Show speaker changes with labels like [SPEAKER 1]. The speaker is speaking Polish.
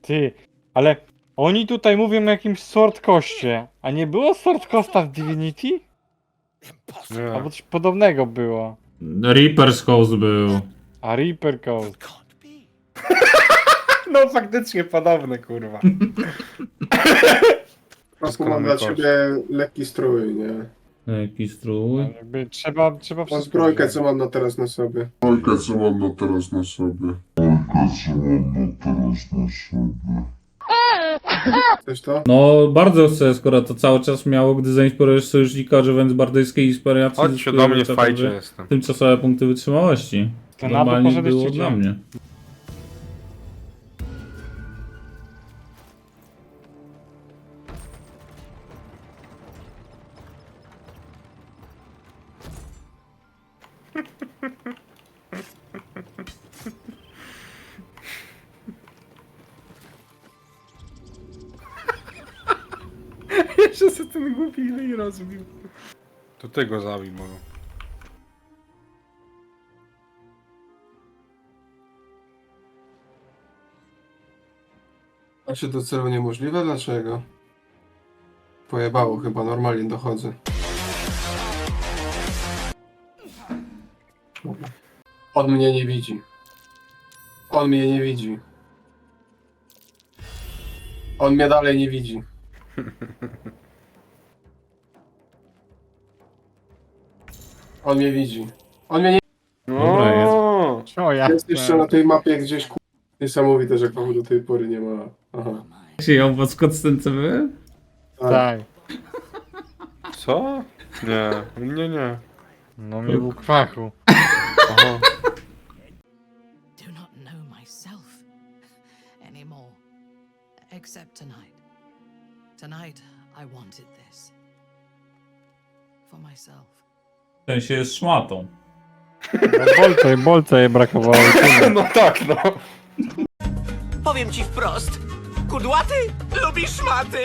[SPEAKER 1] Ty, ale oni tutaj mówią o jakimś Sword Coście, a nie było Sword Costa w Divinity? Albo
[SPEAKER 2] Nie.
[SPEAKER 1] coś podobnego było.
[SPEAKER 3] Reaper's House był.
[SPEAKER 1] A Reaper Coast.
[SPEAKER 2] No faktycznie podobne, kurwa.
[SPEAKER 4] Po prostu mam
[SPEAKER 2] Doskonale
[SPEAKER 4] dla
[SPEAKER 2] kość.
[SPEAKER 4] ciebie lekki strój, nie?
[SPEAKER 3] Jaki strój.
[SPEAKER 1] Jakby trzeba
[SPEAKER 4] Mam
[SPEAKER 1] wszystko
[SPEAKER 4] zbrojkę,
[SPEAKER 1] wziąć.
[SPEAKER 4] co mam na teraz na sobie.
[SPEAKER 5] Bajkę, co mam na teraz na sobie.
[SPEAKER 4] Chcesz to?
[SPEAKER 3] No, bardzo chcę, skoro to cały czas miało, gdy zainspirujesz sojusznika, używając bardyjskiej inspiracji.
[SPEAKER 2] Chodźcie
[SPEAKER 3] zyskujesz
[SPEAKER 2] do mnie w
[SPEAKER 3] dodatkowe
[SPEAKER 2] fajcie jestem.
[SPEAKER 3] Tymczasowe punkty wytrzymałości.
[SPEAKER 1] To na to
[SPEAKER 3] Normalnie
[SPEAKER 1] poszedłeś
[SPEAKER 3] było
[SPEAKER 1] czy
[SPEAKER 3] dla
[SPEAKER 1] gdzie?
[SPEAKER 3] mnie.
[SPEAKER 2] Jeszcze sobie ten głupi i rozbił. To ty go zabij może.
[SPEAKER 4] A czy do celu niemożliwe? Dlaczego? Pojebało chyba, normalnie dochodzę. On mnie nie widzi. On mnie nie widzi. On mnie dalej nie widzi. On mnie widzi. On mnie nie
[SPEAKER 3] Dobra, jest.
[SPEAKER 1] O, ja.
[SPEAKER 4] jest jeszcze na tej mapie gdzieś ku... Niesamowite, że kogo do tej pory nie ma. Aha.
[SPEAKER 3] Czy ją pod skocence były?
[SPEAKER 1] Tak.
[SPEAKER 2] Co? Nie, mnie nie.
[SPEAKER 1] No mi był kwachu.
[SPEAKER 2] Aha.
[SPEAKER 6] Do not know myself anymore. Except tonight. Tonight I wanted this. For myself.
[SPEAKER 3] W sensie jest szmatą.
[SPEAKER 1] No, bolca jej brakowało.
[SPEAKER 2] No tak, no.
[SPEAKER 7] Powiem ci wprost. Kudłaty lubi szmaty.